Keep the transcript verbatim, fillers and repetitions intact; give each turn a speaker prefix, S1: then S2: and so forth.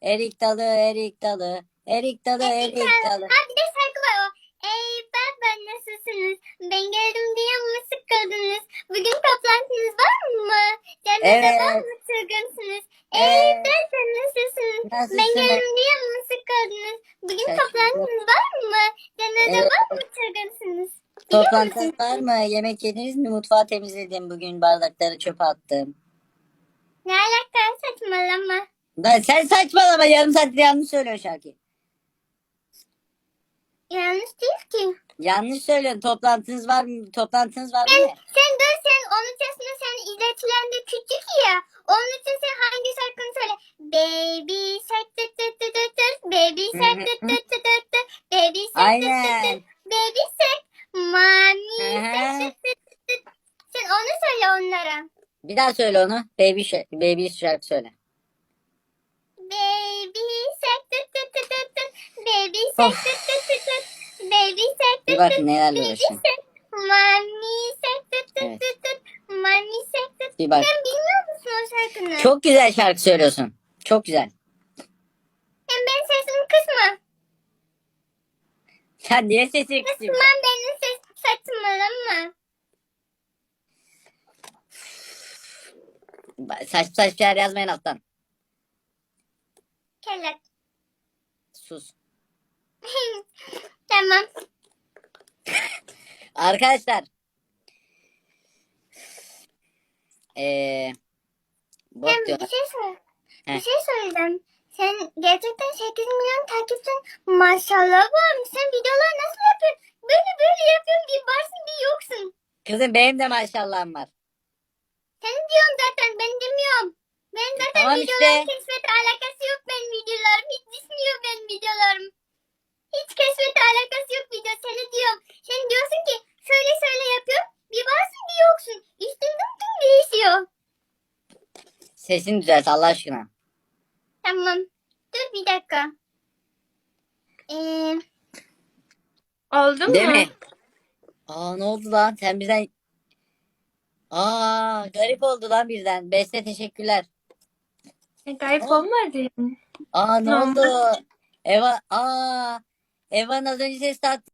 S1: Erik dalı, erik dalı. Erik dalı, erik dalı.
S2: Ha bir de şarkı var o. Ey baba nasılsınız? Ben geldim diye mi sıkıldınız? Bugün toplantınız var mı? Cennete var
S1: Evet.
S2: mı çılgınsınız? Ey
S1: Evet.
S2: baba nasılsınız? Ben
S1: Nasılsınız?
S2: geldim diye mi sıkıldınız? Bugün
S1: Şaşırdım.
S2: toplantınız var mı? Cennete
S1: Evet.
S2: var mı çılgınsınız? Biliyor
S1: Toplantı
S2: musun?
S1: var mı? Yemek yediniz mi? Mutfağı temizledim bugün. Bardakları çöpe attım.
S2: Ne alaka saçmalama.
S1: Lan sen saçmalama. Yarım saattir yanlış söylüyor şarkıyı.
S2: Yanlış değil ki.
S1: Yanlış söylüyorsun. Toplantınız var mı? Toplantınız var mı?
S2: Sen,
S1: Ne?
S2: sen dur sen onun yaşında sen izletilen de küçük ya. Onun için sen hangi şarkını söyle? Baby shark tut tut tut tut tut. Baby shark tut tut tut tut tut. Baby shark tut tut
S1: Aynen.
S2: tut. Baby shark. Mami
S1: Hı
S2: shark
S1: hı.
S2: tut tut tut tut. Sen onu söyle onlara.
S1: Bir daha söyle onu. Baby şarkı, baby şarkı söyle.
S2: Baby shark tut tut tut tut tut. Baby shark
S1: Of.
S2: tut tut tut tut. Baby shark
S1: Bir
S2: tut
S1: bak
S2: tut.
S1: nelerle
S2: Baby
S1: uğraşıyorum.
S2: shark. Mami shark tut tut
S1: Evet.
S2: tut tut. Mami shark tut.
S1: Bir bak.
S2: Sen bilmiyor musun o şarkını?
S1: Çok güzel şarkı söylüyorsun. Çok güzel.
S2: Hem ben sesimi kısma.
S1: Sen niye sesini kısayım?
S2: Kısmam benim ses saçmalama.
S1: Saçma saçma şeyler yazmayın alttan.
S2: Kelak.
S1: Sus.
S2: Tamam.
S1: Arkadaşlar. Eee bot
S2: Hem bir
S1: diyorlar.
S2: şey sor.
S1: Heh.
S2: Bir şey söyleyeceğim. Sen gerçekten sekiz milyon takipçin maşallah varmış. Sen videolar nasıl yapıyorsun? Böyle böyle yapıyorsun. Bir varsın bir yoksun.
S1: Kızım benim de maşallahım var.
S2: Sen diyorum zaten ben demiyorum. Ben zaten
S1: Tamam
S2: videolar
S1: işte.
S2: keşfete alakası yok benim videolarım. Hiç düşmüyor benim videolarım. Hiç keşfete alakası yok video. Seni diyorum. Sen diyorsun ki şöyle şöyle yapıyorum. Bir varsın bir yoksun. Üstünden tüm değişiyor.
S1: Sesini düzelt Allah aşkına.
S2: Tamam. Dur bir dakika. Ee, oldu
S1: Değil
S2: mu?
S1: mi? Aa ne oldu lan? Sen bizden... Aa garip oldu lan birden. Beste teşekkürler.
S2: E, garip
S1: Aa,
S2: olmadı.
S1: aa ne
S2: Normal.
S1: oldu? Eva, aa Eva'nın az önce ses attı.